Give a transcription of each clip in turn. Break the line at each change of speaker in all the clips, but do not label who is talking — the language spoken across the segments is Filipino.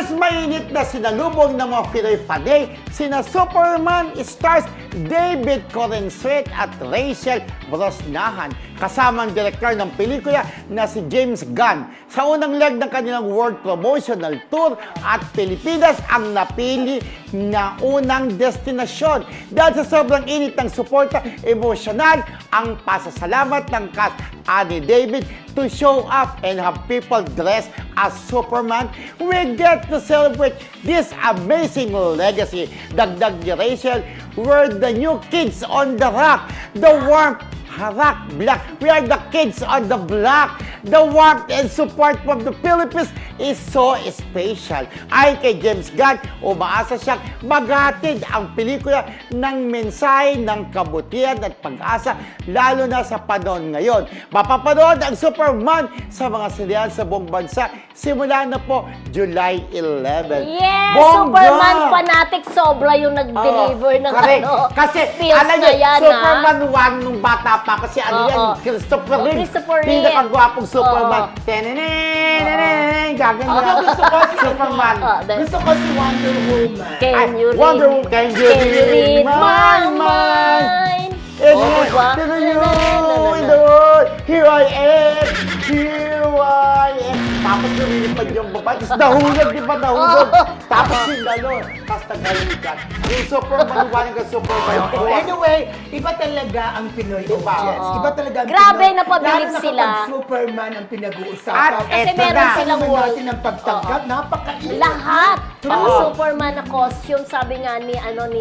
Mas mainit na sinalubong ng mga Pinoy fanay sina Superman stars David Corenswet at Rachel Brosnahan kasama ang direktor ng pelikula na si James Gunn sa unang leg ng kanilang world promotional tour at Pilipinas ang napili na unang destinasyon. Dahil sa sobrang init ng suporta, emosyonal ang pasasalamat ng cast ni David to show up and have people dressed as Superman. We get to celebrate this amazing legacy. Dagdag ni Rachel, we're the new kids on the rock. The warmth, rock black. We are the kids on the block. The warmth and support from the Philippines is so special. Ayon kay James Gunn, umaasa siyang maghatid ang pelikula ng mensahe ng kabutihan at pag-asa lalo na sa panahon ngayon. Mapapanood ang Superman sa mga sinihan sa buong bansa simula na po July 11.
Yes!
Bongga!
Superman fanatic sobra yung nag-deliver ng
correct. Kasi
feels
alam
na
niyo,
yan,
Superman 1 nung bata pa kasi ano yan, Christopher Reeve.
Christopher Reeve.
Pinakagwapong Superman. Tenenenenenen, gaganyan.
Gusto ko si
Superman.
Gusto ko si Wonder Woman.
Can you read?
Wonder Woman, can you read my mind? And
Diba?
then you in the world, here I am, here I am. Tapos lumilipad yung babae, tapos nahulog, di ba nahulog? Tapos yung gano'n, tapos nagalikan. Yung Superman 1 กับ Superman 2.
Anyway, iba talaga ang Pinoy audience. Iba talaga ang
Grabe,
Pinoy.
napabilib
Lalo na
sila.
kapag Superman ang pinag-uusapan.
At
Kasi
eto
meron
na.
silang
Alam
wall.
natin ang pagtanggap, napakainit.
Lahat. Mga
Oo.
Superman na costume, sabi nga ni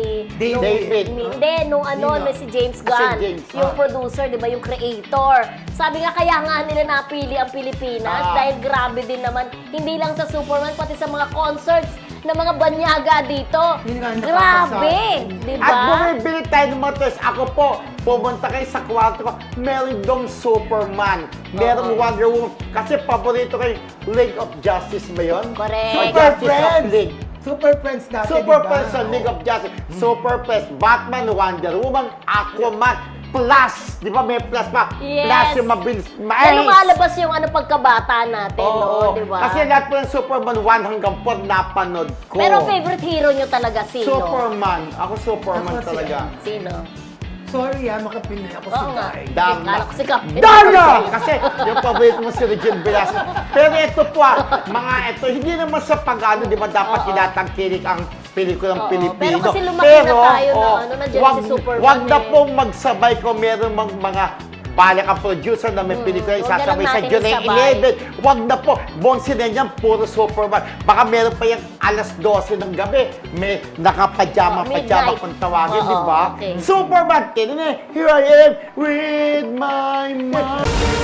David.
Hindi, nung
Sino?
si James
Si
Gunn,
James.
yung producer, di ba, yung creator. Sabi nga, kaya nga nila napili ang Pilipinas dahil grabe din naman, hindi lang sa Superman, pati sa mga concerts ng mga banyaga dito.
Yun nga,
Grabe, di
At
ba?
bumibili tayo ng mga toys. Ako po, pumunta kayo sa kwarto ko, meron dong Superman, merong Wonder Woman. Kasi paborito kayo, League of Justice ba yun?
Correct.
Or
Super
Justice of
Friends.
League.
Super Friends natin,
Super
diba?
Friends sa League of Justice. Super Friends, Batman, Wonder Woman, Aquaman, plus, di ba may plus pa?
Yes.
Plus yung mabilis,
Na lumalabas yung pagkabata natin, no? Di ba?
Kasi lahat po ng Superman 1 hanggang 4 napanood ko.
Pero favorite hero nyo talaga sino?
Superman. Ako Superman
Ako si
talaga.
Sino?
Sorry Makapinoy ako si
Oo nga.
Guy.
Dama.
Kala ko si Captain.
Dama! Kasi yung paborito mo si Regine Velasquez. Pero ito po mga ito, hindi naman sa pag-ano, di ba dapat tinatangkilik ang pelikulang
Oo.
Pilipino.
Pero kasi lumaki na tayo na nandiyan si Superman
wag na
eh.
pong magsabay kung meron mga balak ang producer na may pelikula
Huwag na
isasabay
lang
sa
natin
July
isabay.
11. Wag na po. Bonsin na yan, puro Superman. Baka meron pa yung alas 12 ng gabi. May nakapajama
Midnight.
kung tawagin,
Oo,
di ba?
okay.
Superman, here I am with my mind.